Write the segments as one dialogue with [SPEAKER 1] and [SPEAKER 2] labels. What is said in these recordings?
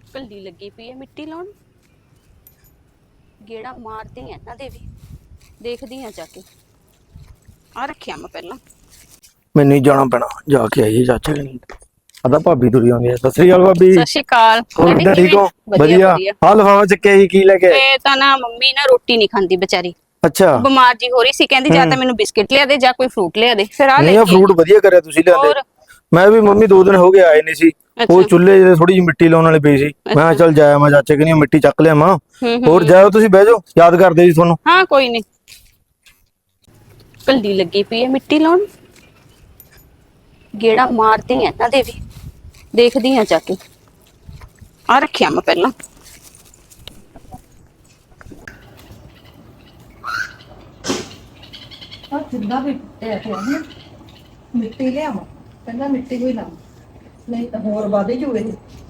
[SPEAKER 1] ਕੱਲੀ ਲੱਗੀ ਪਈ ਹੈ ਮਿੱਟੀ ਲਾਉਣ। ਗੇੜਾ ਮਾਰਦੀ ਆ ਇਹਨਾਂ ਦੇ ਵੀ, ਦੇਖਦੀ ਆ ਜਾ ਕੇ। ਆ ਰੱਖਿਆ ਮੈਂ ਪਹਿਲਾਂ।
[SPEAKER 2] ਮੈਨੂੰ ਹੀ ਜਾਣਾ ਪੈਣਾ, ਜਾ ਕੇ ਆਈਏ ਚਾਚੇ ਕਨੀ। ਆਦਾ ਭਾਬੀ ਤੁਰੀ ਆਉਂਦੀ ਹੈ। ਸਤਿ ਸ੍ਰੀ ਅਕਾਲ ਭਾਬੀ।
[SPEAKER 1] ਸਤਿ ਸ਼੍ਰੀ ਅਕਾਲ।
[SPEAKER 2] ਹੋਰ ਕਿੱਦਾਂ, ਠੀਕ ਹੋ? ਵਧੀਆ। ਹਾਂ ਲਿਫਾਫਾ ਚੱਕਿਆ ਜੀ, ਕੀ ਲੈ ਕੇ ਆਏ?
[SPEAKER 1] ਇਹ ਤਾਂ ਨਾ ਮੰਮੀ ਨਾ ਰੋਟੀ ਨਹੀਂ ਖਾਂਦੀ ਵਿਚਾਰੀ।
[SPEAKER 2] ਅੱਛਾ।
[SPEAKER 1] ਬਿਮਾਰ ਜੀ ਹੋ ਰਹੀ ਸੀ, ਕਹਿੰਦੀ ਜਾਂ ਤਾਂ ਮੈਨੂੰ ਬਿਸਕਿਟ ਲਿਆ ਦੇ ਜਾਂ ਕੋਈ ਫਰੂਟ ਲਿਆ ਦੇ। ਫਿਰ ਆ ਲੈ
[SPEAKER 2] ਨਹੀਂ, ਆ
[SPEAKER 1] ਕੇ
[SPEAKER 2] ਫਰੂਟ
[SPEAKER 1] ਆਈ।
[SPEAKER 2] ਵਧੀਆ ਕਰਿਆ ਤੁਸੀਂ ਲਿਆਂਦੇ।
[SPEAKER 1] ਹੋਰ
[SPEAKER 2] ਮੈਂ ਵੀ ਮੰਮੀ 2 ਦਿਨ ਹੋ ਗਏ ਆਏ ਨਹੀਂ ਸੀ। ਉਹ
[SPEAKER 1] ਅੱਛਾ
[SPEAKER 2] ਚੁੱਲ੍ਹੇ ਜਿਹੇ ਥੋੜੀ ਜਿਹੀ ਮਿੱਟੀ ਲਾਉਣ ਵਾਲੀ ਪਈ ਸੀ। ਮੈਂ ਕਿਹਾ
[SPEAKER 1] ਅੱਛਾ।
[SPEAKER 2] ਚੱਲ ਜਾਇਆ ਮੈਂ ਚਾਚੇ ਕਨੀ ਮਿੱਟੀ ਚੱਕ ਲਿਆ ਮਾਂ। ਹੋਰ
[SPEAKER 1] ਹੂੰ
[SPEAKER 2] ਜਾਓ ਤੁਸੀਂ, ਬਹਿ ਜਾਓ, ਯਾਦ ਕਰਦੇ ਜੀ ਤੁਹਾਨੂੰ।
[SPEAKER 1] ਹਾਂ ਕੋਈ ਨਹੀਂ। ਕੱਲੀ ਲੱਗੀ ਪਈ ਹੈ ਮਿੱਟੀ ਲਾਉਣ। ਗੇੜਾ ਮਾਰਦੀ ਆ ਇਹਨਾਂ ਦੇ ਵੀ, ਦੇਖਦੀ ਆ ਜਾ ਕੇ। ਆ ਰੱਖਿਆ ਮੈਂ ਪਹਿਲਾਂ।
[SPEAKER 3] ਜਿੰਦਾ ਵੀ ਟੁੱਟਿਆ ਮਿੱਟੀ ਲਿਆਵਾਂ, ਕਹਿੰਦਾ ਮਿੱਟੀ ਕੋਈ ਲਾਵਾਂ, ਨਹੀਂ ਤਾਂ ਹੋਰ ਵਾਧੇ ਜੂਏ।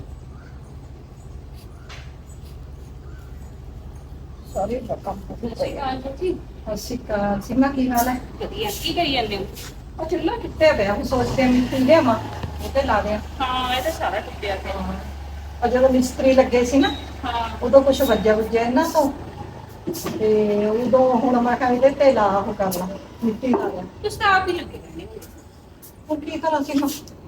[SPEAKER 3] ਸਾਰੇ ਕੰਮ ਸਤਿ ਸ਼੍ਰੀ ਅਕਾਲ ਸੀਮਾ, ਕੀ ਹਾਲ ਹੈ?
[SPEAKER 1] ਵਧੀਆ। ਕੀ ਕਰੀ ਜਾਂਦੇ ਹੋ?
[SPEAKER 3] ਉਹ ਚੁੱਲ੍ਹਾ ਟੁੱਟਿਆ ਪਿਆ, ਹੁਣ ਸੋਚਦੇ ਹਾਂ ਮਿੱਟੀ ਲਿਆਵਾਂ ਉਹਤੇ ਲਾ ਦਿਆਂ।
[SPEAKER 1] ਹਾਂ ਇਹ ਤਾਂ ਸਾਰਾ ਟੁੱਟਿਆ ਪਿਆ।
[SPEAKER 3] ਆ ਜਦੋਂ ਮਿਸਤਰੀ ਲੱਗੇ ਸੀ ਨਾ,
[SPEAKER 1] ਹਾਂ
[SPEAKER 3] ਉਦੋਂ ਕੁਛ ਵੱਜਿਆ ਇਹਨਾਂ ਤੋਂ, ਤੇ ਉਦੋਂ ਹੁਣ ਮੈਂ ਕਿਹਾ ਇਹਦੇ ਤੇ ਲਾ ਉਹ ਕਰ ਲਾ, ਮਿੱਟੀ ਲਾ ਦਿਆਂ।
[SPEAKER 1] ਤੁਸੀਂ ਤਾਂ ਆਪ ਹੀ ਲੱਗੇ ਰਹਿੰਦੇ ਹੋ।
[SPEAKER 3] ਹੁਣ ਕੀ ਕਰਾਂ ਸੀਮਾ?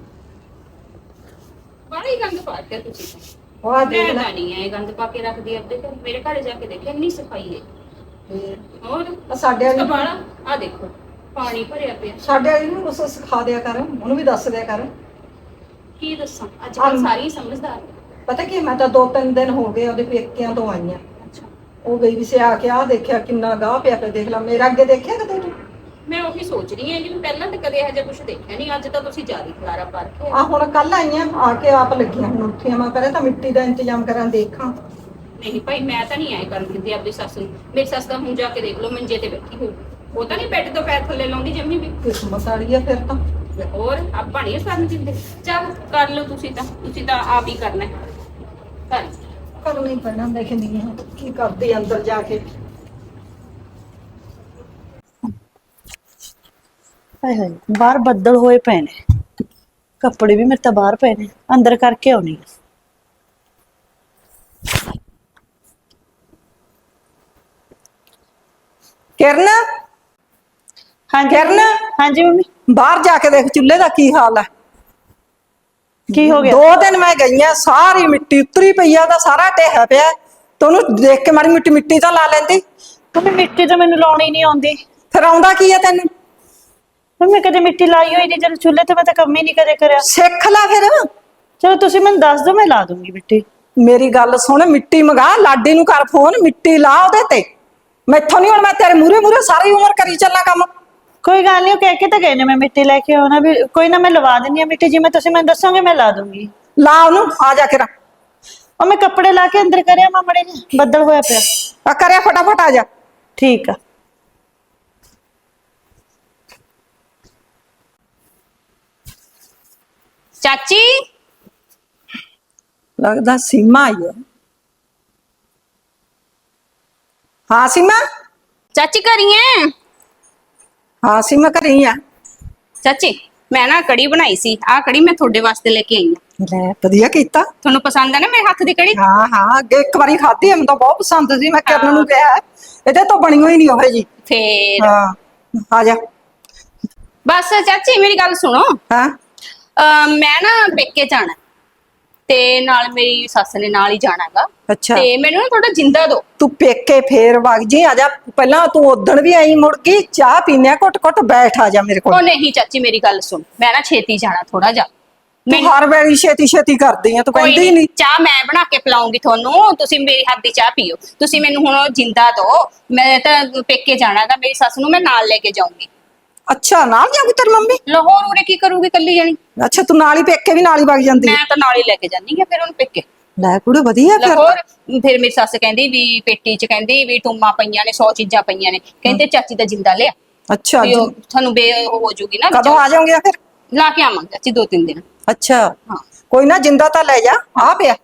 [SPEAKER 1] ਬੜਾ ਹੀ ਗੰਦ ਪਾ ਕੇ ਤੁਸੀਂ ਤਾਂ।
[SPEAKER 3] ਉਹ ਆ ਦੇਖ
[SPEAKER 1] ਮੈਂ
[SPEAKER 3] ਲੈ।
[SPEAKER 1] ਤਾਂ ਨਹੀਂ ਇਹ ਗੰਦ ਪਾ ਕੇ ਰੱਖਦੀ ਆਪਦੇ ਘਰ। ਮੇਰੇ ਘਰ ਜਾ ਕੇ ਦੇਖਿਆ ਇੰਨੀ ਸਫਾਈ ਹੈ। ਹੋਰ
[SPEAKER 3] ਸਾਡੇ ਵਾਲੀ
[SPEAKER 1] ਬਾਲਾ ਆ ਦੇਖੋ, ਪਾਣੀ ਭਰਿਆ ਪਿਆ।
[SPEAKER 3] ਸਾਡੇ ਵਾਲੀ ਨੂੰ ਕੁਛ ਸਿਖਾ ਦਿਆ ਕਰ, ਉਹਨੂੰ ਵੀ ਦੱਸ ਦਿਆ ਕਰ।
[SPEAKER 1] ਕੀ ਦੱਸਾਂ, ਅੱਜ ਕੱਲ ਸਾਰੀ ਸਮਝਦਾਰ ਨੇ।
[SPEAKER 3] ਪਤਾ ਕੀ, ਮੈਂ ਤਾਂ 2-3 ਦਿਨ ਹੋ ਗਏ ਉਹਦੇ ਪੇਕਿਆਂ ਤੋਂ ਆਈਆਂ।
[SPEAKER 1] ਅੱਛਾ।
[SPEAKER 3] ਉਹ ਗਈ ਵੀ ਸੀ, ਆ ਕੇ ਆ ਦੇਖਿਆ ਕਿੰਨਾ ਗਾਹ ਪਿਆ ਪਿਆ, ਦੇਖ ਲਾ ਮੇਰਾ ਅੱਗੇ ਦੇਖਿਆ ਕਦੇ ਤੂੰ?
[SPEAKER 1] ਮੈਂ ਉਹੀ ਸੋਚ ਰਹੀ ਹਾਂ ਕਿ ਪਹਿਲਾਂ ਤਾਂ ਕਦੇ ਇਹੋ ਜਿਹਾ ਕੁਝ ਦੇਖਿਆ ਨਹੀਂ, ਅੱਜ ਤਾਂ ਤੁਸੀਂ ਜ਼ਿਆਦਾ ਖਲਾਰਾ ਪਾ ਰੱਖਿਆ।
[SPEAKER 3] ਆ ਹੁਣ ਕੱਲ ਆਈਆਂ, ਆ ਕੇ ਆਪ ਲੱਗੀਆਂ ਹੁਣ ਉੱਠੀਆਂ। ਮੈਂ ਪਹਿਲਾਂ ਤਾਂ ਮਿੱਟੀ ਦਾ ਇੰਤਜ਼ਾਮ ਕਰਾਂ, ਦੇਖਾਂ।
[SPEAKER 1] ਨਹੀਂ ਭਾਈ, ਮੈਂ ਤਾਂ ਨਹੀਂ ਆਏ ਕਰਨ ਦਿੰਦੀ ਆਪਣੀ ਸੱਸ ਨੂੰ। ਮੇਰੀ ਸੱਸ ਤਾਂ ਹੁਣ ਜਾ ਕੇ ਦੇਖ ਲਓ ਮੰਜੇ ਤੇ ਬੈਠੀ ਹੋਈ। ਉਹ ਤਾਂ ਨਹੀਂ ਬੈੱਡ ਤੋਂ ਪੈਰ ਥੱਲੇ ਲਾਉਂਦੀ ਜੰਮੀ ਵੀ।
[SPEAKER 3] ਕਿਸਮਤ ਵਾਲੀ ਆ ਫਿਰ ਤਾਂ।
[SPEAKER 1] ਹੋਰ ਆਪਾਂ ਨਹੀਂ ਕਰਨ ਦਿੰਦੇ। ਚੱਲ ਕਰ ਲਓ ਤੁਸੀਂ ਤਾਂ ਆਪ ਹੀ ਕਰਨਾ ਹੈ। ਕਰ
[SPEAKER 3] ਕਰਨਾ ਹੀ ਪੈਣਾ, ਦੇਖਦੀ ਹਾਂ ਕੀ ਕਰਦੀ ਅੰਦਰ ਜਾ ਕੇ।
[SPEAKER 4] ਹਾਏ ਹਾਏ, ਬਾਹਰ ਬੱਦਲ ਹੋਏ ਪਏ ਨੇ। ਕੱਪੜੇ ਵੀ ਮੇਰੇ ਤਾਂ ਬਾਹਰ ਪਏ ਨੇ, ਅੰਦਰ ਕਰਕੇ ਆਉਣੀ ਆ।
[SPEAKER 3] ਕਿਰਨ,
[SPEAKER 4] ਹਾਂਜੀ
[SPEAKER 3] ਕਿਰਨ,
[SPEAKER 4] ਹਾਂਜੀ ਮੰਮੀ।
[SPEAKER 3] ਬਾਹਰ ਜਾ ਕੇ ਦੇਖ ਚੁੱਲ੍ਹੇ ਦਾ ਕੀ ਹਾਲ ਹੈ।
[SPEAKER 4] ਕੀ ਹੋ ਗਿਆ?
[SPEAKER 3] 2 ਦਿਨ ਮੈਂ ਗਈ ਆ, ਸਾਰੀ ਮਿੱਟੀ ਉਤਰੀ ਪਈ ਆ, ਉਹਦਾ ਸਾਰਾ ਢਹਿਆ ਪਿਆ। ਤੇ ਉਹਨੂੰ ਦੇਖ ਕੇ ਮਾੜੀ ਮਿੱਟੀ ਤਾਂ ਲਾ ਲੈਂਦੀ।
[SPEAKER 4] ਮੰਮੀ ਮਿੱਟੀ ਤਾਂ ਮੈਨੂੰ ਲਾਉਣੀ ਨਹੀਂ ਆਉਂਦੀ।
[SPEAKER 3] ਫਿਰ ਆਉਂਦਾ ਕੀ ਆ ਤੈਨੂੰ?
[SPEAKER 4] ਮੰਮੀ ਕਦੇ ਮਿੱਟੀ ਲਾਈ ਹੋਈ ਨਹੀਂ, ਜਦ ਚੁੱਲ੍ਹੇ ਤੇ ਮੈਂ ਤਾਂ ਕੰਮ ਹੀ ਨਹੀਂ ਕਦੇ ਕਰਿਆ।
[SPEAKER 3] ਸਿੱਖ ਲੈ ਫਿਰ।
[SPEAKER 4] ਚਲੋ ਤੁਸੀਂ ਮੈਨੂੰ ਦੱਸ ਦਿਓ, ਮੈਂ ਲਾ ਦੂੰਗੀ ਮਿੱਟੀ।
[SPEAKER 3] ਮੇਰੀ ਗੱਲ ਸੁਣ, ਮਿੱਟੀ ਮੰਗਾ, ਲਾਡੀ ਨੂੰ ਕਰ ਫੋਨ, ਮਿੱਟੀ ਲਾ ਉਹਦੇ ਤੇ। ਮੈਥੋਂ ਨਹੀਂ, ਹੁਣ ਮੈਂ ਤੇਰੇ ਮੂਹਰੇ ਸਾਰੀ ਉਮਰ ਕਰੀ ਚੱਲਾਂ ਕੰਮ।
[SPEAKER 4] ਕੋਈ ਗੱਲ ਨਹੀਂ, ਉਹ ਕਹਿ ਕੇ ਤਾਂ ਗਏ ਨੇ ਮੈਂ ਮਿੱਟੀ ਲੈ ਕੇ ਆਉਣਾ ਵੀ। ਕੋਈ ਨਾ, ਮੈਂ ਲਵਾ ਦਿੰਦੀ ਹਾਂ ਮਿੱਟੀ, ਜਿਵੇਂ ਤੁਸੀਂ ਮੈਨੂੰ ਦੱਸੋਗੇ ਮੈਂ ਲਾ ਦੂੰਗੀ।
[SPEAKER 3] ਲਾ ਉਹਨੂੰ, ਆ ਜਾ ਕੇ ਰਾ।
[SPEAKER 4] ਉਹ ਮੈਂ ਕੱਪੜੇ ਲਾ ਕੇ ਅੰਦਰ ਕਰਿਆ ਮਾਮੜੇ ਜੀ, ਬੱਦਲ ਹੋਇਆ ਪਿਆ।
[SPEAKER 3] ਆ ਕਰਿਆ, ਫਟਾਫਟ ਆ ਜਾ।
[SPEAKER 4] ਠੀਕ ਆ।
[SPEAKER 1] ਚਾਚੀ।
[SPEAKER 3] ਲੱਗਦਾ ਸੀਮਾ ਆਈ ਹੈ। ਹਾਂ ਸੀਮਾ।
[SPEAKER 1] ਚਾਚੀ ਕਰੀਏ।
[SPEAKER 3] ਹਾਂ ਸੀਮਾ ਘਰੇ ਆ।
[SPEAKER 1] ਚਾਚੀ ਮੈਂ ਨਾ ਕੜੀ ਬਣਾਈ ਸੀ, ਆਹ ਕੜੀ ਮੈਂ ਤੁਹਾਡੇ ਵਾਸਤੇ ਲੈ ਕੇ ਆਈ ਹਾਂ।
[SPEAKER 3] ਲੈ ਵਧੀਆ ਕੀਤਾ।
[SPEAKER 1] ਤੁਹਾਨੂੰ ਪਸੰਦ ਹੈ ਨਾ ਮੇਰੇ ਹੱਥ ਦੀ ਕੜੀ?
[SPEAKER 3] ਹਾਂ ਹਾਂ, ਅੱਗੇ ਇੱਕ ਵਾਰੀ ਖਾਧੀ, ਮੈਨੂੰ ਤਾਂ ਬਹੁਤ ਪਸੰਦ ਸੀ। ਮੈਂ ਕਿਰਨ ਨੂੰ
[SPEAKER 1] ਹਾਂ।
[SPEAKER 3] ਕਿਹਾ ਇਹਦੇ ਤੋਂ ਬਣੀ ਹੋਈ ਨਹੀਂ ਉਹ ਜੀ।
[SPEAKER 1] ਫੇਰ
[SPEAKER 3] ਹਾਂ, ਆ ਜਾ।
[SPEAKER 1] ਬਸ ਚਾਚੀ ਮੇਰੀ ਗੱਲ ਸੁਣੋ।
[SPEAKER 3] ਹਾਂ।
[SPEAKER 1] ਮੈਂ ਨਾ ਪੇਕੇ ਜਾਣਾ ਤੇ ਨਾਲ ਮੇਰੀ ਸੱਸ ਨੇ ਨਾਲ ਹੀ ਜਾਣਾਗਾ।
[SPEAKER 3] ਅੱਛਾ।
[SPEAKER 1] ਤੇ ਮੈਨੂੰ ਨਾ ਥੋੜਾ ਜਿੰਦਾ ਦੋ।
[SPEAKER 3] ਤੂੰ ਪੇਕੇ ਫੇਰ ਵਗ ਜੀ, ਆ ਜਾ। ਪਹਿਲਾਂ ਤੂੰ ਉਦਣ ਵੀ ਆਈ, ਮੁੜ ਗਈ। ਚਾਹ ਪੀਨੇ ਘੁੱਟ ਘੁੱਟ, ਬੈਠ ਆ ਜਾ ਮੇਰੇ ਕੋਲ।
[SPEAKER 1] ਉਹ ਨਹੀਂ ਚਾਚੀ ਮੇਰੀ ਗੱਲ ਸੁਣ, ਮੈਂ ਨਾ ਛੇਤੀ ਜਾਣਾ ਥੋੜਾ ਜਾ।
[SPEAKER 3] ਤੂੰ ਹਰ ਵੇਲੇ ਛੇਤੀ ਛੇਤੀ ਕਰਦੀ ਆ, ਤੂੰ
[SPEAKER 1] ਕੋਈ
[SPEAKER 3] ਕਹਿੰਦੀ ਨਹੀਂ।
[SPEAKER 1] ਚਾਹ ਮੈਂ ਬਣਾ ਕੇ ਪਿਲਾਉਂਗੀ ਤੁਹਾਨੂੰ, ਤੁਸੀਂ ਮੇਰੀ ਹੱਥ ਦੀ ਚਾਹ ਪੀਓ। ਤੁਸੀਂ ਮੈਨੂੰ ਹੁਣ ਜਿੰਦਾ ਦੋ। ਮੈਂ ਤਾਂ ਪੇਕੇ ਜਾਣਾਗਾ, ਮੇਰੀ ਸੱਸ ਨੂੰ ਮੈਂ ਨਾਲ ਲੈ ਕੇ ਜਾਊਂਗੀ।
[SPEAKER 3] ਅੱਛਾ, ਨਾਲ ਜਾਊਗੀ ਤੇਰੀ ਮੰਮੀ?
[SPEAKER 1] ਲਾਹੌਰ ਉਰੇ ਕੀ ਕਰੂਗੀ ਕੱਲੀ ਜਾਣੀ?
[SPEAKER 3] ਅੱਛਾ, ਤੂੰ ਨਾਲ ਹੀ ਪੇਕੇ ਵੀ ਨਾਲ ਹੀ ਵਗ ਜਾਂਦੀ
[SPEAKER 1] ਮੈਂ ਤਾਂ ਨਾਲ ਹੀ ਲੈ ਕੇ ਜਾਨੀ ਆ ਫਿਰ ਉਹਨੂੰ ਪੇਕੇ।
[SPEAKER 3] ਲੈ ਕੁੜੇ ਵਧੀਆ ਫਿਰ।
[SPEAKER 1] ਲਾਹੌਰ ਫਿਰ ਮੇਰੀ ਸੱਸ ਕਹਿੰਦੀ ਵੀ ਪੇਟੀ 'ਚ ਕਹਿੰਦੀ ਵੀ ਟੂਮਾਂ ਪਈਆਂ ਨੇ, 100 ਚੀਜ਼ਾਂ ਪਈਆਂ ਨੇ, ਕਹਿੰਦੇ ਚਾਚੀ ਦਾ ਜਿੰਦਾ ਲਿਆ।
[SPEAKER 3] ਅੱਛਾ
[SPEAKER 1] ਵੀ ਉਹ ਤੁਹਾਨੂੰ ਹੋ ਜੂਗੀ ਨਾ।
[SPEAKER 3] ਕਦੋਂ ਆ ਜਾਓਗੇ ਫਿਰ?
[SPEAKER 1] ਲਾ ਕੇ ਆਵਾਂਗੇ ਚਾਚੀ 2-3 ਦਿਨ।
[SPEAKER 3] ਅੱਛਾ
[SPEAKER 1] ਹਾਂ
[SPEAKER 3] ਕੋਈ ਨਾ, ਜਿੰਦਾ ਤਾਂ ਲੈ ਜਾ, ਆ ਪਿਆ।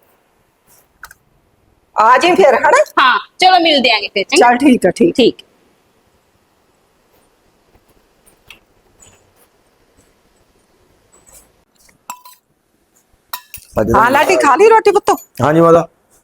[SPEAKER 3] ਆ ਜੀ ਫਿਰ, ਹਨਾ?
[SPEAKER 1] ਹਾਂ ਚਲੋ ਮਿਲਦੇ ਆਂਗੇ ਫਿਰ।
[SPEAKER 3] ਚੱਲ ਠੀਕ ਆ, ਠੀਕ।
[SPEAKER 1] ਠੀਕ।
[SPEAKER 2] ਅੱਜ
[SPEAKER 3] ਹਾਂ ਲਾਡੀ ਖਾ ਲਈ ਰੋਟੀ ਪੁੱਤ?
[SPEAKER 2] ਹਾਂਜੀ ਮਾਤਾ।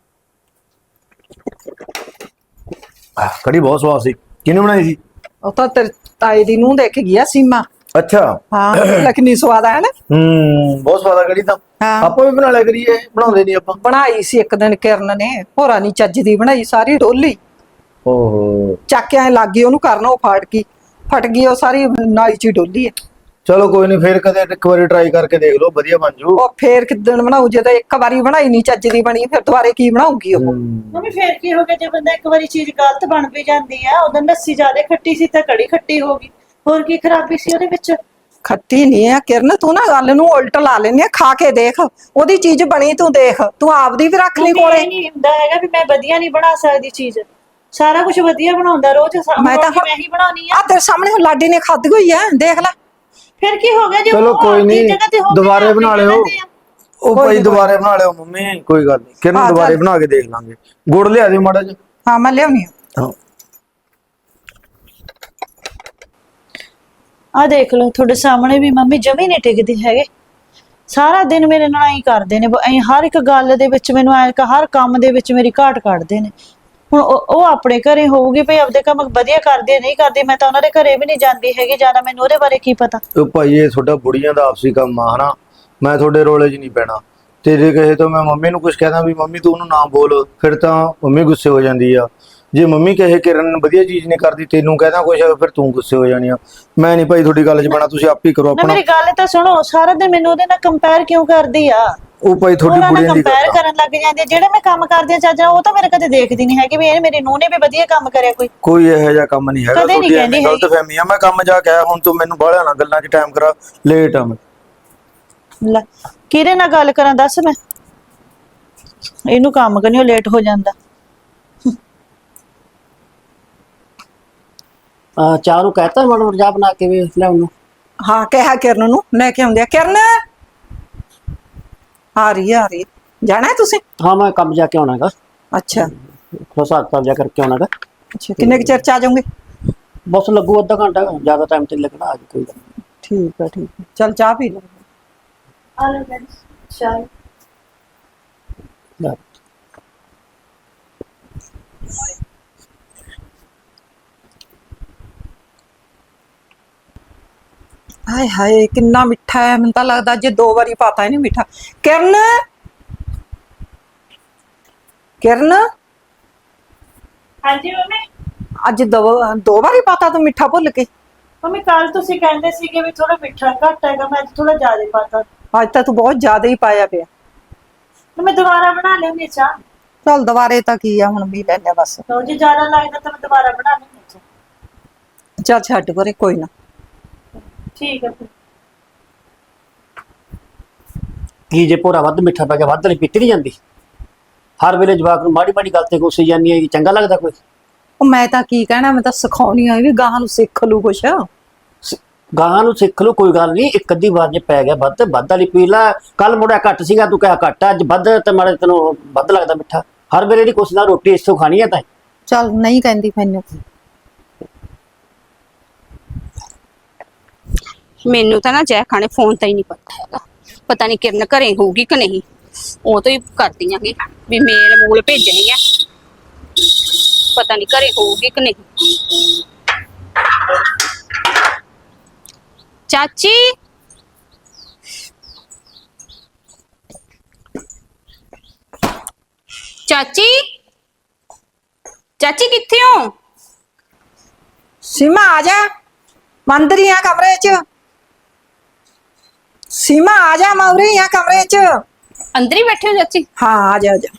[SPEAKER 2] ਕੜੀ ਬਹੁਤ ਸਵਾਦ ਸੀ। ਕਿਹਨੇ ਬਣਾਈ ਸੀ?
[SPEAKER 3] ਉਹ ਤਾਂ ਤੇਰੇ ਤਾਏ ਦੀ ਨੂੰਹ ਦੇਖ ਗਿਆ ਸੀਮਾ।
[SPEAKER 2] ਅੱਛਾ।
[SPEAKER 3] ਹਾਂ ਲਖਨੀ ਸਵਾਦ ਆਇਆ ਨਾ।
[SPEAKER 2] ਬਹੁਤ ਸਵਾਦ ਆ ਕੜੀ ਤਾਂ।
[SPEAKER 3] ਹਾਂ।
[SPEAKER 2] ਆਪਾਂ ਵੀ ਬਣਾ ਲਿਆ ਕਰੀਏ, ਬਣਾਉਂਦੇ ਨਹੀਂ ਆਪਾਂ।
[SPEAKER 3] ਬਣਾਈ ਸੀ ਇੱਕ ਦਿਨ ਕਿਰਨ ਨੇ, ਹੋਰਾਂ ਨੀ ਚੱਜ ਦੀ ਬਣਾਈ, ਸਾਰੀ ਡੋਲੀ
[SPEAKER 2] ਓਹੋ।
[SPEAKER 3] ਚੱਕ ਕੇ ਐ ਲੱਗ ਗਈ ਉਹਨੂੰ ਕਰਨ, ਉਹ ਫਟ ਗਈ ਉਹ ਸਾਰੀ ਨਾਲੀ ਚ ਹੀ ਡੋਲੀ ਹੈ।
[SPEAKER 2] ਚਲੋ ਕੋਈ ਨਹੀਂ, ਫੇਰ ਕਦੇ ਇੱਕ ਵਾਰੀ ਟਰਾਈ ਕਰਕੇ ਦੇਖ ਲਓ, ਵਧੀਆ ਬਣ ਜੂ।
[SPEAKER 3] ਉਹ ਫੇਰ ਕਿੱਦਣ ਬਣਾਉ, ਜੇ ਤਾਂ ਇੱਕ ਵਾਰੀ ਬਣਾਈ ਨਹੀਂ ਚੱਜ ਦੀ ਬਣੀ, ਫਿਰ ਦੁਬਾਰੇ ਕੀ ਬਣਾਉਗੀ ਉਹ?
[SPEAKER 4] ਮੰਮੀ ਫੇਰ ਕੀ ਹੋ ਗਿਆ ਜੇ ਬੰਦਾ ਇੱਕ ਵਾਰੀ ਚੀਜ਼ ਗਲਤ ਬਣ ਵੀ ਜਾਂਦੀ ਆ? ਉਦੋਂ ਲੱਸੀ ਜ਼ਿਆਦਾ ਖੱਟੀ ਸੀ ਤਾਂ ਕੜੀ ਖੱਟੀ ਹੋ ਗਈ, ਹੋਰ ਕੀ ਖਰਾਬੀ ਸੀ ਉਹਦੇ ਵਿੱਚ?
[SPEAKER 3] ਖੱਟੀ ਨਹੀਂ ਆ ਕਿਰਨ, ਤੂੰ ਨਾ ਗੱਲ ਨੂੰ ਉਲਟ ਲਾ ਲੈਨੀ ਆ। ਖਾ ਕੇ ਦੇਖ, ਉਹਦੀ ਚੀਜ਼ ਬਣੀ ਤੂੰ ਦੇਖ, ਤੂੰ ਆਪਦੀ ਵੀ ਰੱਖ ਲਈ
[SPEAKER 4] ਮੰਮੀ,
[SPEAKER 3] ਕੋਲੇ।
[SPEAKER 4] ਇਹ ਨਹੀਂ ਹੁੰਦਾ ਹੈਗਾ ਵੀ ਮੈਂ ਵਧੀਆ ਨਹੀਂ ਬਣਾ ਸਕਦੀ ਚੀਜ਼, ਸਾਰਾ ਕੁਝ ਵਧੀਆ ਬਣਾਉਂਦਾ ਰੋਜ਼।
[SPEAKER 3] ਮੈਂ ਤਾਂ
[SPEAKER 4] ਮੈਂ ਹੀ ਬਣਾਉਣੀ ਆ।
[SPEAKER 3] ਆ ਤੇਰੇ ਸਾਹਮਣੇ ਹੁਣ ਲਾਡੀ ਨੇ ਖਾਧੀ ਹੋਈ ਆ, ਦੇਖ ਲੈ।
[SPEAKER 4] ਫਿਰ ਕੀ ਹੋ ਗਿਆ ਜੇ
[SPEAKER 2] ਚਲੋ
[SPEAKER 4] ਉਹ
[SPEAKER 2] ਕੋਈ
[SPEAKER 4] ਆਪਣੀ
[SPEAKER 2] ਨਹੀਂ,
[SPEAKER 4] ਜਗ੍ਹਾ ਤੇ ਹੋ ਕੇ
[SPEAKER 2] ਦੁਬਾਰੇ
[SPEAKER 4] ਆਪਣੀ
[SPEAKER 2] ਬਣਾ ਲਿਓ।
[SPEAKER 4] ਜਗ੍ਹਾ ਤੇ ਆ।
[SPEAKER 2] ਉਹ
[SPEAKER 3] ਕੋਈ
[SPEAKER 2] ਭਾਈ
[SPEAKER 3] ਨੀ,
[SPEAKER 2] ਦੁਬਾਰੇ ਬਣਾ ਲਿਓ ਮੰਮੀ, ਕੋਈ ਗੱਲ ਨਹੀਂ। ਕਿਰਨ
[SPEAKER 3] ਹਾਂ,
[SPEAKER 2] ਦੁਬਾਰੇ
[SPEAKER 3] ਚੱਲ।
[SPEAKER 2] ਬਣਾ ਕੇ ਦੇਖ ਲਾਂਗੇ। ਗੁੜ ਲਿਆ ਦਿਓ ਮਾੜਾ ਜਿਹਾ।
[SPEAKER 3] ਹਾਂ ਮੈਂ ਲਿਆਉਣੀ ਆ।
[SPEAKER 2] ਹਾਂ।
[SPEAKER 4] ਆ ਦੇਖ ਲਓ ਤੁਹਾਡੇ ਸਾਹਮਣੇ ਵੀ ਮੰਮੀ ਜਮੀ ਨਹੀਂ ਟਿਕਦੀ ਹੈਗੇ, ਸਾਰਾ ਦਿਨ ਮੇਰੇ ਨਾਲ ਐਂ ਕਰਦੇ ਨੇ, ਐਂ ਹਰ ਇੱਕ ਗੱਲ ਦੇ ਵਿੱਚ ਮੈਨੂੰ ਐਂ ਹਰ ਕੰਮ ਦੇ ਵਿੱਚ ਮੇਰੀ ਘਾਟ ਕੱਢਦੇ ਨੇ। ਹੁਣ ਉਹ ਆਪਣੇ ਘਰੇ ਹੋਊਗੀ ਭਈ ਆਪਦੇ ਕੰਮ ਵਧੀਆ ਕਰਦੇ ਨਹੀਂ ਕਰਦੇ, ਮੈਂ ਤਾਂ ਉਹਨਾਂ ਦੇ ਘਰੇ ਵੀ ਨਹੀਂ ਜਾਂਦੀ ਹੈਗੀ, ਜ਼ਿਆਦਾ ਮੈਨੂੰ ਉਹਦੇ ਬਾਰੇ ਕੀ ਪਤਾ।
[SPEAKER 2] ਉਹ ਭਾਈ ਇਹ ਤੁਹਾਡਾ ਬੁੜੀਆਂ ਦਾ ਆਪਸੀ ਕੰਮ ਆ ਹਨਾ, ਮੈਂ ਤੁਹਾਡੇ ਰੋਲੇ 'ਚ ਨਹੀਂ ਪੈਣਾ। ਤੇ ਜੇ ਕਹੇ ਤਾਂ ਮੈਂ ਮੰਮੀ ਨੂੰ ਕੁਝ ਕਹਿਦਾ ਵੀ ਮੰਮੀ ਤੂੰ ਉਹਨੂੰ ਨਾ ਬੋਲ, ਫਿਰ ਤਾਂ ਮੰਮੀ ਗੁੱਸੇ ਹੋ ਜਾਂਦੀ ਆ। ਜੇ ਮੰਮੀ ਕਹੇ ਕਿਰਨ ਵਧੀਆ ਚੀਜ਼ ਨਹੀਂ ਕਰਦੀ, ਤੈਨੂੰ ਕਹਿਦਾ ਕੁਝ, ਫਿਰ ਤੂੰ ਗੁੱਸੇ ਹੋ ਜਾਣੀ ਆ। ਮੈਂ ਨਹੀਂ ਭਾਈ ਤੁਹਾਡੀ ਗੱਲ 'ਚ ਪੈਣਾ, ਤੁਸੀਂ ਆਪ ਹੀ ਕਰੋ
[SPEAKER 4] ਨਾ
[SPEAKER 2] ਆਪਣਾ।
[SPEAKER 4] ਮੇਰੀ ਗੱਲ ਤਾਂ ਸੁਣੋ, ਸਾਰਾ ਦਿਨ ਮੈਨੂੰ ਉਹਦੇ ਨਾਲ ਕੰਪੇਅਰ ਕਿਉਂ ਕਰਦੀ ਆ?
[SPEAKER 2] ਉਹ ਭਾਈ ਤੁਹਾਡੀ
[SPEAKER 4] ਉਹਨਾਂ ਨਾਲ
[SPEAKER 2] ਬੁੜੀਆਂ ਦੀ
[SPEAKER 4] ਕੰਪੇਅਰ
[SPEAKER 2] ਗੱਲ ਆ।
[SPEAKER 4] ਕਰਨ ਲੱਗ ਜਾਂਦੀ ਆ। ਜਿਹੜੇ ਮੈਂ ਕੰਮ ਕਰਦੀ ਆ ਚਾਚਾ, ਉਹ ਤਾਂ ਮੇਰੇ ਕਦੇ ਦੇਖਦੀ ਨਹੀਂ ਹੈਗੀ ਵੀ ਇਹ ਮੇਰੀ ਨੂੰਹ ਨੇ ਵੀ ਵਧੀਆ ਕੰਮ ਕਰਿਆ ਕੋਈ।
[SPEAKER 2] ਕੋਈ ਇਹੋ ਜਿਹਾ ਕੰਮ ਨਹੀਂ ਹੈਗਾ,
[SPEAKER 4] ਕਦੇ ਨੀ
[SPEAKER 2] ਤੁਹਾਡੀ
[SPEAKER 4] ਕਹਿੰਦੀ
[SPEAKER 2] ਐਵੇਂ ਗਲਤ ਫਹਿਮੀ ਆ। ਮੈਂ ਕੰਮ ਜਾ ਕੇ ਆਇਆ, ਹੁਣ ਤੂੰ ਮੈਨੂੰ ਬਾਹਲਿਆਂ ਨਾਲ ਗੱਲਾਂ 'ਚ ਟਾਈਮ ਕਰਾ, ਲੇਟ ਆ ਮੈਂ।
[SPEAKER 4] ਲੈ ਕਿਹਦੇ ਨਾਲ ਗੱਲ ਕਰਾਂ ਦੱਸ ਮੈਂ? ਇਹਨੂੰ ਕੰਮ ਕਰਨੀ, ਉਹ ਲੇਟ ਹੋ ਜਾਂਦਾ।
[SPEAKER 5] ਚਾਹ ਨੂੰ ਕਹਤਾ ਮੜ ਜਾ ਬਣਾ ਕੇ ਵੀ ਲਿਆਉਣ ਨੂੰ।
[SPEAKER 3] ਹਾਂ ਕਿਹਾ ਕਿਰਨ ਨੂੰ ਲੈ ਕੇ ਆਉਂਦੇ ਆ। ਕਿਰਨ ਆ ਰਹੀ ਆ ਰਹੀ ਆ। ਜਾਣਾ ਹੈ ਤੁਸੀਂ?
[SPEAKER 5] ਹਾਂ ਮੈਂ ਕੰਮ ਜਾ ਕੇ ਆਉਣਾਗਾ,
[SPEAKER 3] ਅੱਛਾ
[SPEAKER 5] ਹਿਸਾਬ ਕਿਤਾਬ ਜਾ ਕਰਕੇ ਆਉਣਾਗਾ।
[SPEAKER 3] ਅੱਛਾ, ਕਿੰਨੇ ਕੁ ਚਿਰ ਚ ਆ ਜਾਓਗੇ?
[SPEAKER 5] ਬਸ ਲੱਗੂ ਅੱਧਾ ਘੰਟਾ, ਜ਼ਿਆਦਾ ਟਾਈਮ ਤੇ ਨੀ ਲੱਗਣਾ। ਅੱਜ ਕੋਈ ਗੱਲ ਨੀ।
[SPEAKER 3] ਠੀਕ ਆ ਠੀਕ ਆ, ਚੱਲ ਚਾਹ ਪੀ ਲਓ।
[SPEAKER 4] ਆ ਲੈ ਡੈਡੀ ਚਾਹ।
[SPEAKER 5] ਲੈ।
[SPEAKER 3] ਹਾਏ ਹਾਏ ਕਿੰਨਾ ਮਿੱਠਾ ਹੈ, ਮੈਨੂੰ ਤਾਂ ਲੱਗਦਾ ਜੇ 2 ਵਾਰੀ ਪਾਤਾ ਇਹਨੇ ਮਿੱਠਾ। ਕਿਰਨ ਕਿਰਨ
[SPEAKER 4] ਹਾਂਜੀ ਮੰਮੀ।
[SPEAKER 3] ਅੱਜ 2 ਵਾਰੀ ਪਾਤਾ ਤੂੰ ਮਿੱਠਾ ਭੁੱਲ ਕੇ।
[SPEAKER 4] ਮੰਮੀ ਕੱਲ ਤੁਸੀਂ ਕਹਿੰਦੇ ਸੀਗੇ ਵੀ ਥੋੜਾ ਮਿੱਠਾ ਘੱਟ ਹੈਗਾ, ਮੈਂ ਅੱਜ ਥੋੜਾ ਜ਼ਿਆਦਾ ਪਾਤਾ।
[SPEAKER 3] ਅੱਜ ਤਾਂ ਤੂੰ ਬਹੁਤ ਜ਼ਿਆਦਾ ਹੀ ਪਾਇਆ ਪਿਆ।
[SPEAKER 4] ਤੇ ਮੈਂ ਦੁਬਾਰਾ ਬਣਾ ਲੈਣੀ ਚਾਹ।
[SPEAKER 3] ਚੱਲ ਦੁਬਾਰੇ ਤਾਂ ਕੀ ਆ, ਹੁਣ ਵੀ ਲੈਣੇ ਬਸ।
[SPEAKER 4] ਲਓ ਜੇ ਜ਼ਿਆਦਾ ਲੱਗਦਾ ਤਾਂ ਮੈਂ ਦੁਬਾਰਾ ਬਣਾ ਲੈਣੀ ਚਾਹ।
[SPEAKER 3] ਚੱਲ ਛੱਡ ਪਰੇ, ਕੋਈ ਨਾ।
[SPEAKER 4] ਠੀਕ ਹੈ ਫਿਰ।
[SPEAKER 5] ਕੀ ਜੇ ਭੋਰਾ ਵੱਧ ਮਿੱਠਾ ਪੈ ਗਿਆ, ਵੱਧ ਨਹੀਂ ਪੀਤੀ ਨਹੀਂ ਜਾਂਦੀ? ਹਰ ਵੇਲੇ ਜਵਾਕ ਨੂੰ ਮਾੜੀ ਮਾੜੀ ਗੱਲ ਤੇ ਗੁੱਸੇ ਜਾਂਦੀ ਹੈ, ਚੰਗਾ ਲੱਗਦਾ ਕੋਈ?
[SPEAKER 3] ਉਹ ਮੈਂ ਤਾਂ ਕੀ ਕਹਿਣਾ, ਮੈਂ ਤਾਂ ਸਿਖਾਉਣੀ ਆ ਵੀ ਗਾਹਾਂ ਨੂੰ ਸਿੱਖ ਲੂ ਕੁਛ।
[SPEAKER 5] ਗਾਹਾਂ ਨੂੰ ਸਿੱਖ ਲਓ, ਕੋਈ ਗੱਲ ਨਹੀਂ। ਇੱਕ ਅੱਧੀ ਵਾਰ ਜੇ ਪੈ ਗਿਆ ਵੱਧ, ਵੱਧ ਵਾਲੀ ਪੀ ਲੈ। ਕੱਲ ਮੁੜਿਆ ਘੱਟ ਸੀਗਾ, ਤੂੰ ਕਿਹਾ ਘੱਟ, ਅੱਜ ਵੱਧ ਤੇ ਮਾੜੇ ਤੈਨੂੰ ਵੱਧ ਲੱਗਦਾ ਮਿੱਠਾ। ਹਰ ਵੇਲੇ ਦੀ ਕੁਛ ਨਾ ਰੋਟੀ ਇਸੋ ਖਾਣੀ ਹੈ ਤਾਂ।
[SPEAKER 3] ਚੱਲ ਨਹੀਂ ਕਹਿੰਦੀ ਮੈਨੂੰ।
[SPEAKER 1] ਮੈਨੂੰ ਤਾਂ ਨਾ ਜੈ ਖਾਣੇ ਫੋਨ ਤਾਂ ਹੀ ਨਹੀਂ ਪਤਾ ਹੈਗਾ, ਪਤਾ ਨਹੀਂ ਕਿਰਨ ਘਰੇ ਹੋਊਗੀ ਕਿ ਨਹੀਂ। ਉਹ ਤੋਂ ਹੀ ਕਰਦੀਆਂ ਕਿ ਵੀ ਮੇਲ ਮੂਲ ਭੇਜਣੀ ਹੈ, ਪਤਾ ਨਹੀਂ ਘਰੇ ਹੋਊਗੀ ਕਿ ਨਹੀਂ। ਚਾਚੀ ਚਾਚੀ ਚਾਚੀ ਕਿੱਥੇ ਹੋ?
[SPEAKER 3] ਸੀਮਾ ਆ ਜਾ, ਮੰਦਰ ਹੀ ਆ ਕਮਰੇ 'ਚ। ਸੀਮਾ ਆ ਜਾ, ਮੈਂ ਉਰੇ ਹੀ ਆ ਕਮਰੇ 'ਚ।
[SPEAKER 1] ਅੰਦਰ ਹੀ ਬੈਠੇ ਹੋ ਚਾਚੀ?
[SPEAKER 3] ਹਾਂ ਆ ਜਾ ਆ ਜਾ।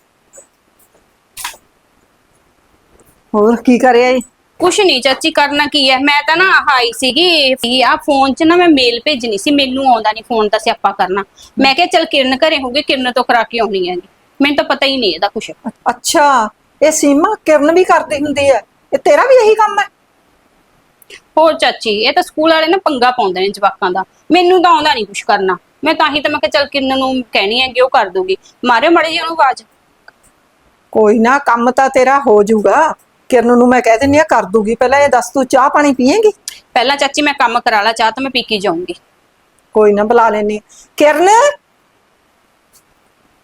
[SPEAKER 3] ਹੋਰ ਕੀ ਕਰਿਆ ਈ?
[SPEAKER 1] ਕੁਛ ਨਹੀਂ ਚਾਚੀ, ਕਰਨਾ ਕੀ ਹੈ। ਮੈਂ ਤਾਂ ਨਾ ਆਈ ਸੀਗੀ ਆ ਫੋਨ 'ਚ ਨਾ ਮੈਂ ਮੇਲ ਭੇਜਣੀ ਸੀ, ਮੈਨੂੰ ਆਉਂਦਾ ਨਹੀਂ ਫੋਨ ਦਾ ਸਿਆਪਾ ਕਰਨਾ। ਮੈਂ ਕਿਹਾ ਚੱਲ ਕਿਰਨ ਘਰੇ ਹੋਊਗੀ, ਕਿਰਨ ਤੋਂ ਕਰਾ ਕੇ ਆਉਣੀ ਹੈਗੀ। ਮੈਨੂੰ ਤਾਂ ਪਤਾ ਹੀ ਨਹੀਂ ਇਹਦਾ ਕੁਛ।
[SPEAKER 3] ਅੱਛਾ, ਇਹ ਸੀਮਾ ਕਿਰਨ ਵੀ ਕਰਦੀ ਹੁੰਦੀ ਹੈ? ਇਹ ਤੇਰਾ ਵੀ ਇਹੀ ਕੰਮ ਹੈ?
[SPEAKER 1] ਹੋਰ ਚਾਚੀ, ਇਹ ਤਾਂ ਸਕੂਲ ਵਾਲੇ ਨਾ ਪੰਗਾ ਪਾਉਂਦੇ ਨੇ ਜਵਾਕਾਂ ਦਾ, ਮੈਨੂੰ ਤਾਂ ਆਉਂਦਾ ਨਹੀਂ ਕੁਛ ਕਰਨਾ। ਮੈਂ ਤਾਂ ਹੀ ਤਾਂ ਮੈਂ ਕਿਹਾ ਚੱਲ ਕਿਰਨ ਨੂੰ ਕਹਿਣੀ ਹੈ ਕਿ ਉਹ ਕਰ ਦੂਗੀ। ਮਾਰਿਓ ਮਾੜੀ ਜਿਹੀ ਉਹਨੂੰ ਆਵਾਜ਼।
[SPEAKER 3] ਕੋਈ ਨਾ, ਕੰਮ ਤਾਂ ਤੇਰਾ ਹੋ ਜਾਊਗਾ। ਕਿਰਨ ਨੂੰ ਮੈਂ ਕਹਿ ਦਿੰਦੀ ਆ ਕਰ ਦੂਗੀ। ਪਹਿਲਾਂ ਇਹ ਦੱਸ, ਤੂੰ ਚਾਹ ਪਾਣੀ ਪੀਏਂਗੀ?
[SPEAKER 1] ਪਹਿਲਾਂ ਚਾਚੀ ਮੈਂ ਕੰਮ ਕਰਾ ਲਾ, ਚਾਹ ਤਾਂ ਮੈਂ ਪੀ ਕੇ ਜਾਊਂਗੀ।
[SPEAKER 3] ਕੋਈ ਨਾ, ਬੁਲਾ ਲੈਣੀ। ਕਿਰਨ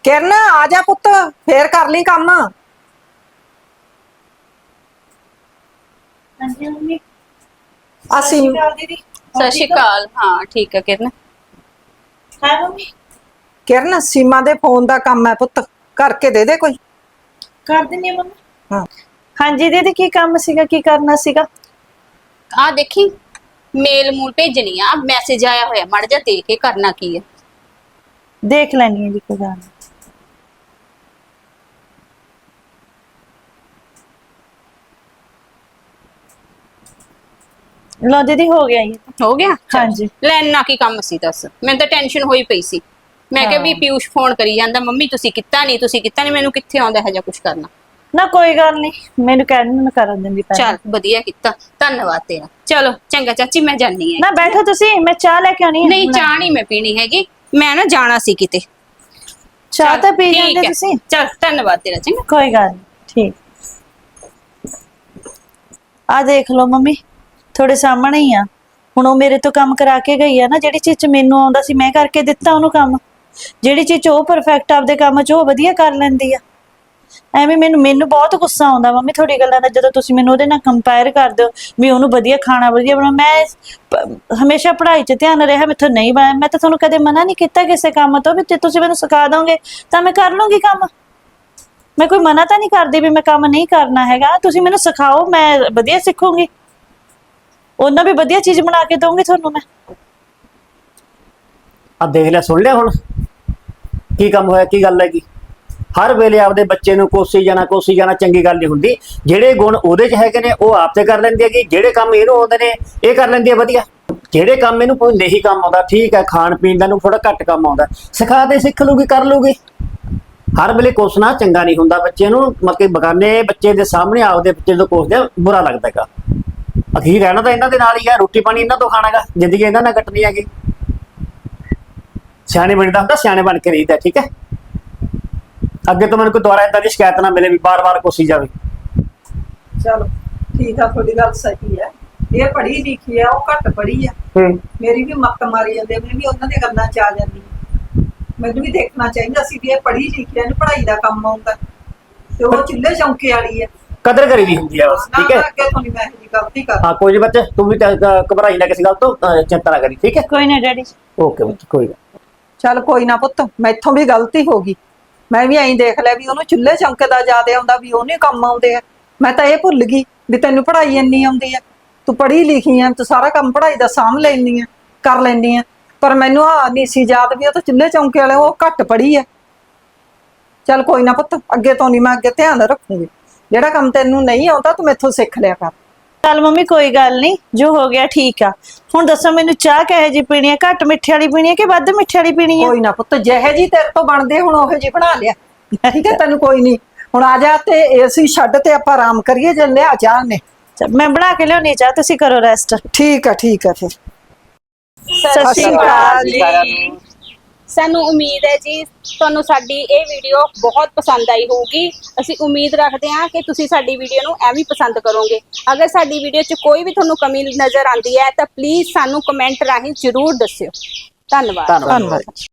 [SPEAKER 3] ਕਿਰਨ ਆ ਜਾ ਪੁੱਤ, ਫੇਰ ਕਰ ਲਈ ਕੰਮ।
[SPEAKER 4] ਹਾਂਜੀ ਮੰਮੀ।
[SPEAKER 3] ਅਸੀਂ
[SPEAKER 4] ਦੀਦੀ।
[SPEAKER 1] ਸਤਿ ਸ਼੍ਰੀ ਅਕਾਲ। ਹਾਂ ਠੀਕ ਹੈ ਕਿਰਨ।
[SPEAKER 4] ਹਾਂ ਮੰਮੀ।
[SPEAKER 3] ਕਿਰਨ ਸੀਮਾ ਦੇ ਫੋਨ ਦਾ ਕੰਮ ਹੈ ਪੁੱਤ, ਕਰਕੇ ਦੇ ਦੇ ਕੋਈ।
[SPEAKER 4] ਕਰ ਦਿੰਨੀ ਆ ਮੰਮੀ।
[SPEAKER 3] ਹਾਂ
[SPEAKER 4] ਹਾਂਜੀ ਦੀਦੀ, ਕੀ ਕੰਮ ਸੀਗਾ, ਕੀ ਕਰਨਾ ਸੀਗਾ?
[SPEAKER 1] ਆ ਦੇਖੀ ਮੇਲ ਮੂਲ ਭੇਜਣੀ ਆ, ਮੈਸੇਜ ਆਇਆ ਹੋਇਆ, ਮੜ ਜਾ ਦੇਖ ਕੇ ਕਰਨਾ ਕੀ ਹੈ।
[SPEAKER 4] ਦੇਖ ਲੈਣੀ ਹੈ ਜੀ, ਕੋਈ ਗੱਲ ਨੀ। ਲੋ ਦੀਦੀ, ਹੋ ਗਿਆ ਜੀ।
[SPEAKER 1] ਹੋ ਗਿਆ?
[SPEAKER 4] ਹਾਂਜੀ।
[SPEAKER 1] ਲੈ ਇੰਨਾ ਕੀ ਕੰਮ ਸੀ ਦੱਸ, ਮੈਨੂੰ ਤਾਂ ਟੈਨਸ਼ਨ ਹੋਈ ਪਈ ਸੀ। ਮੈਂ ਕਿਹਾ ਵੀ ਪਿਊਸ਼ ਫੋਨ ਕਰੀ ਜਾਂਦਾ, ਮੰਮੀ ਤੁਸੀਂ ਕੀਤਾ ਨਹੀਂ, ਤੁਸੀਂ ਕੀਤਾ ਨਹੀਂ, ਮੈਨੂੰ ਕਿੱਥੇ ਆਉਂਦਾ ਹੈ ਜਾਂ ਕੁਝ ਕਰਨਾ।
[SPEAKER 4] ਨਾ ਕੋਈ ਗੱਲ ਨਹੀਂ, ਮੈਨੂੰ ਕਹਿ ਦਿੰਦੀ, ਮੈਂ ਕਰਨ ਦਿੰਦੀ ਪਹਿਲਾਂ।
[SPEAKER 1] ਚੱਲ ਵਧੀਆ ਕੀਤਾ, ਧੰਨਵਾਦ ਤੇਰਾ। ਚਲੋ ਚੰਗਾ ਚਾਚੀ, ਮੈਂ ਜਾਣੀ ਹੈ।
[SPEAKER 4] ਨਾ ਬੈਠੋ ਤੁਸੀਂ, ਮੈਂ ਚਾਹ ਲੈ ਕੇ ਆਉਣੀ ਹੈ।
[SPEAKER 1] ਨਹੀਂ ਚਾਹ ਨਹੀਂ ਮੈਂ ਪੀਣੀ ਹੈਗੀ, ਮੈਂ ਨਾ ਜਾਣਾ ਸੀ ਕਿਤੇ।
[SPEAKER 4] ਚਾਹ ਤਾਂ ਪੀ
[SPEAKER 1] ਠੀਕ
[SPEAKER 4] ਜਾਂਦੇ
[SPEAKER 1] ਹੈ।
[SPEAKER 4] ਤੁਸੀਂ।
[SPEAKER 1] ਚੱਲ ਧੰਨਵਾਦ ਤੇਰਾ, ਚੰਗਾ।
[SPEAKER 4] ਕੋਈ ਗੱਲ ਨਹੀਂ, ਠੀਕ। ਆ ਦੇਖ ਲਓ ਮੰਮੀ, ਤੁਹਾਡੇ ਸਾਹਮਣੇ ਹੀ ਆ। ਹੁਣ ਉਹ ਮੇਰੇ ਤੋਂ ਕੰਮ ਕਰਾ ਕੇ ਗਈ ਆ ਨਾ, ਜਿਹੜੀ ਚੀਜ਼ 'ਚ ਮੈਨੂੰ ਆਉਂਦਾ ਸੀ ਮੈਂ ਕਰਕੇ ਦਿੱਤਾ ਉਹਨੂੰ ਕੰਮ। ਜਿਹੜੀ ਚੀਜ਼ 'ਚ ਉਹ ਪਰਫੈਕਟ ਆਪਦੇ ਕੰਮ 'ਚ ਉਹ ਵਧੀਆ ਕਰ ਲੈਂਦੀ ਆ। ਐਵੇਂ ਮੈਨੂੰ ਬਹੁਤ ਗੁੱਸਾ ਆਉਂਦਾ ਮੰਮੀ ਤੁਹਾਡੀ ਗੱਲਾਂ ਦਾ, ਜਦੋਂ ਤੁਸੀਂ ਮੈਨੂੰ ਉਹਦੇ ਨਾਲ ਕੰਪੇਅਰ ਕਰਦੇ ਹੋ ਵੀ ਉਹਨੂੰ ਵਧੀਆ ਖਾਣਾ ਵਧੀਆ ਬਣਾ। ਮੈਂ ਹਮੇਸ਼ਾ ਪੜ੍ਹਾਈ 'ਚ ਧਿਆਨ ਰਿਹਾ, ਮੈਥੋਂ ਨਹੀਂ ਬਣਿਆ। ਮੈਂ ਤਾਂ ਤੁਹਾਨੂੰ ਕਦੇ ਮਨਾ ਨਹੀਂ ਕੀਤਾ ਕਿਸੇ ਕੰਮ ਤੋਂ, ਵੀ ਜੇ ਤੁਸੀਂ ਮੈਨੂੰ ਸਿਖਾ ਦੋਗੇ ਤਾਂ ਮੈਂ ਕਰ ਲੂੰਗੀ ਕੰਮ। ਮੈਂ ਕੋਈ ਮਨਾ ਤਾਂ ਨਹੀਂ ਕਰਦੀ ਵੀ ਮੈਂ ਕੰਮ ਨਹੀਂ ਕਰਨਾ ਹੈਗਾ। ਤੁਸੀਂ ਮੈਨੂੰ ਸਿਖਾਓ, ਮੈਂ ਵਧੀਆ ਸਿੱਖੂੰਗੀ, ਉਹਨਾਂ ਵੀ ਵਧੀਆ ਚੀਜ਼ ਬਣਾ ਕੇ ਦਊਂਗੀ ਤੁਹਾਨੂੰ ਮੈਂ।
[SPEAKER 5] ਆ ਦੇਖ ਲੈ, ਸੁਣ ਲਿਆ ਹੁਣ ਕੀ ਕੰਮ ਹੋਇਆ, ਕੀ ਗੱਲ ਹੈਗੀ। ਹਰ ਵੇਲੇ ਆਪਦੇ ਬੱਚੇ ਨੂੰ ਕੋਸੀ ਜਾਣਾ ਚੰਗੀ ਗੱਲ ਨਹੀਂ ਹੁੰਦੀ। ਜਿਹੜੇ ਗੁਣ ਉਹਦੇ 'ਚ ਹੈਗੇ ਨੇ ਉਹ ਆਪ ਤੇ ਕਰ ਲੈਂਦੀ ਹੈਗੀ, ਜਿਹੜੇ ਕੰਮ ਇਹਨੂੰ ਆਉਂਦੇ ਨੇ ਇਹ ਕਰ ਲੈਂਦੀ ਹੈ ਵਧੀਆ। ਜਿਹੜੇ ਕੰਮ ਇਹਨੂੰ ਕੋਈ ਨਹੀਂ ਕੰਮ ਆਉਂਦਾ, ਠੀਕ ਹੈ, ਖਾਣ ਪੀਣ ਦਾ ਨੂੰ ਥੋੜਾ ਘੱਟ ਕੰਮ ਆਉਂਦਾ, ਸਿਖਾ ਦੇ, ਸਿੱਖ ਲੂਗੀ, ਕਰ ਲੂਗੀ। ਹਰ ਵੇਲੇ ਕੋਸਣਾ ਚੰਗਾ ਨਹੀਂ ਹੁੰਦਾ ਬੱਚੇ ਨੂੰ, ਮਤਲਬ ਕਿ ਬਗਾਨੇ ਬੱਚੇ ਦੇ ਸਾਹਮਣੇ ਆਪਦੇ ਬੱਚੇ ਤੋਂ ਕੋਸਦੇ ਬੁਰਾ ਲੱਗਦਾ ਹੈਗਾ। ਅਖੀਰ ਰਹਿਣਾ ਤਾਂ ਇਹਨਾਂ ਦੇ ਨਾਲ ਹੀ ਹੈ, ਰੋਟੀ ਪਾਣੀ ਇਹਨਾਂ ਤੋਂ ਖਾਣਾਗਾ, ਜ਼ਿੰਦਗੀ ਇਹਨਾਂ ਨਾਲ ਕੱਟਣੀ ਹੈਗੀ। ਸਿਆਣੇ ਬਣਦਾ ਹੁੰਦਾ, ਸਿਆਣੇ ਬਣ ਕੇ ਰਹੀਦਾ, ਠੀਕ ਹੈ। ਅੱਗੇ ਤੋਂ ਮੈਨੂੰ ਕੋਈ ਦੁਬਾਰਾ ਏਦਾਂ ਦੀ ਸ਼ਿਕਾਇਤ ਨਾ ਮਿਲੇ ਵੀ ਬਾਰ-ਬਾਰ ਕੋਸੀ ਜਾਵੇ।
[SPEAKER 3] ਚਲੋ ਠੀਕ ਆ, ਤੁਹਾਡੀ ਗੱਲ ਸਹੀ ਹੈ। ਇਹ ਪੜ੍ਹੀ ਲਿਖੀ ਆ, ਉਹ ਘੱਟ ਪੜ੍ਹੀ ਆ। ਮੇਰੀ ਵੀ ਮੱਤ ਮਾਰੀ ਜਾਂਦੇ, ਮੈਂ ਵੀ ਉਹਨਾਂ ਦੇ ਗੱਲਾਂ 'ਚ ਆ ਜਾਂਦੀ। ਮੈਨੂੰ ਵੀ ਦੇਖਣਾ ਚਾਹੀਦਾ ਸੀ ਵੀ ਇਹ ਪੜ੍ਹੀ ਲਿਖੀ ਆ, ਇਹਨੂੰ ਪੜ੍ਹਾਈ ਦਾ ਕੰਮ ਆਉਂਦਾ, ਤੇ ਉਹ ਚੁੱਲ੍ਹੇ ਚੌਂਕੇ ਵਾਲੀ ਹੈ।
[SPEAKER 5] ਕਦਰ ਕਰੀ ਦੀ ਹੁੰਦੀ ਹੈ ਬਸ, ਠੀਕ ਹੈ।
[SPEAKER 3] ਅੱਗੇ ਤੋਂ ਨਹੀਂ ਮੈਂ ਇਹ ਗਲਤੀ ਕਰ।
[SPEAKER 5] ਹਾਂ ਕੋਈ ਨੀ ਬੱਚੇ, ਤੂੰ ਵੀ ਘਬਰਾਈ ਨਾ ਕਿਸੇ ਗੱਲ ਤੋਂ, ਚਿੰਤਾ ਨਾ ਕਰੀ, ਠੀਕ ਹੈ।
[SPEAKER 4] ਕੋਈ ਨਾ ਡੈਡੀ।
[SPEAKER 5] ਓਕੇ ਬੱਚੇ, ਕੋਈ ਗੱਲ।
[SPEAKER 3] ਚੱਲ ਕੋਈ ਨਾ ਪੁੱਤ, ਮੈਥੋਂ ਵੀ ਗਲਤੀ ਹੋ ਗਈ। ਮੈਂ ਵੀ ਐਂ ਦੇਖ ਲਿਆ ਵੀ ਉਹਨੂੰ ਚੁੱਲ੍ਹੇ ਚੌਂਕੇ ਦਾ ਜ਼ਿਆਦਾ ਆਉਂਦਾ, ਵੀ ਉਹਨੇ ਕੰਮ ਆਉਂਦੇ ਆ। ਮੈਂ ਤਾਂ ਇਹ ਭੁੱਲ ਗਈ ਵੀ ਤੈਨੂੰ ਪੜ੍ਹਾਈ ਇੰਨੀ ਆਉਂਦੀ ਆ, ਤੂੰ ਪੜ੍ਹੀ ਲਿਖੀ ਆ, ਤੂੰ ਸਾਰਾ ਕੰਮ ਪੜ੍ਹਾਈ ਦਾ ਸਾਂਭ ਲੈਂਦੀ ਆ, ਕਰ ਲੈਂਦੀ ਆ। ਪਰ ਮੈਨੂੰ ਆ ਨਹੀਂ ਸੀ ਯਾਦ ਵੀ ਉਹ ਤਾਂ ਚੁੱਲ੍ਹੇ ਚੌਂਕੇ ਵਾਲੇ, ਉਹ ਘੱਟ ਪੜ੍ਹੀ ਆ। ਚੱਲ ਕੋਈ ਨਾ ਪੁੱਤ, ਅੱਗੇ ਤੋਂ ਨਹੀਂ, ਮੈਂ ਅੱਗੇ ਧਿਆਨ ਰੱਖੂਗੀ। ਜਿਹੜਾ ਕੰਮ ਤੈਨੂੰ ਨਹੀਂ ਆਉਂਦਾ ਤੂੰ ਮੈਥੋਂ ਸਿੱਖ ਲਿਆ ਕਰ।
[SPEAKER 4] ਚੱਲ ਮੰਮੀ ਕੋਈ ਗੱਲ ਨਹੀਂ, ਜੋ ਹੋ ਗਿਆ ਠੀਕ ਆ। ਹੁਣ ਦੱਸੋ ਮੈਨੂੰ ਚਾਹ ਕਿਹੋ ਜਿਹੀ ਪੀਣੀ ਹੈ, ਘੱਟ ਮਿੱਠੇ ਵਾਲੀ ਪੀਣੀ ਹੈ ਕਿ ਵੱਧ ਮਿੱਠੇ ਵਾਲੀ ਪੀਣੀ ਹੈ?
[SPEAKER 3] ਕੋਈ ਨਾ ਪੁੱਤ, ਜਿਹੇ ਜੀ ਤੇਰੇ ਤੋਂ ਬਣਦੇ ਹੁਣ ਉਹੋ ਜੀ ਬਣਾ ਲਿਆ, ਠੀਕ ਹੈ। ਤੈਨੂੰ ਕੋਈ ਨਹੀਂ, ਹੁਣ ਆ ਜਾ ਤੇ ਏਸੀ ਛੱਡ ਤੇ ਆਪਾਂ ਆਰਾਮ ਕਰੀਏ। ਜੇ ਲਿਆ ਚਾਹ ਨੇ,
[SPEAKER 4] ਮੈਂ ਬਣਾ ਕੇ ਲਿਆਉਣੀ ਚਾਹ, ਤੁਸੀਂ ਕਰੋ ਰੈਸਟ।
[SPEAKER 3] ਠੀਕ ਆ ਠੀਕ ਆ ਫਿਰ।
[SPEAKER 4] ਸਤਿ ਸ਼੍ਰੀ ਅਕਾਲ
[SPEAKER 1] ਜੀ। ਸਾਨੂੰ ਉਮੀਦ ਹੈ ਜੀ ਤੁਹਾਨੂੰ ਸਾਡੀ ਇਹ ਵੀਡੀਓ ਬਹੁਤ ਪਸੰਦ ਆਈ ਹੋਊਗੀ। ਅਸੀਂ ਉਮੀਦ ਰੱਖਦੇ ਹਾਂ ਕਿ ਤੁਸੀਂ ਸਾਡੀ ਵੀਡੀਓ ਨੂੰ ਐਵੇਂ ਪਸੰਦ ਕਰੋਗੇ। ਅਗਰ ਸਾਡੀ ਵੀਡੀਓ 'ਚ ਕੋਈ ਵੀ ਤੁਹਾਨੂੰ ਕਮੀ ਨਜ਼ਰ ਆਉਂਦੀ ਹੈ ਤਾਂ ਪਲੀਜ਼ ਸਾਨੂੰ ਕਮੈਂਟ ਰਾਹੀਂ ਜ਼ਰੂਰ ਦੱਸਿਓ। ਧੰਨਵਾਦ।
[SPEAKER 3] ਧੰਨਵਾਦ।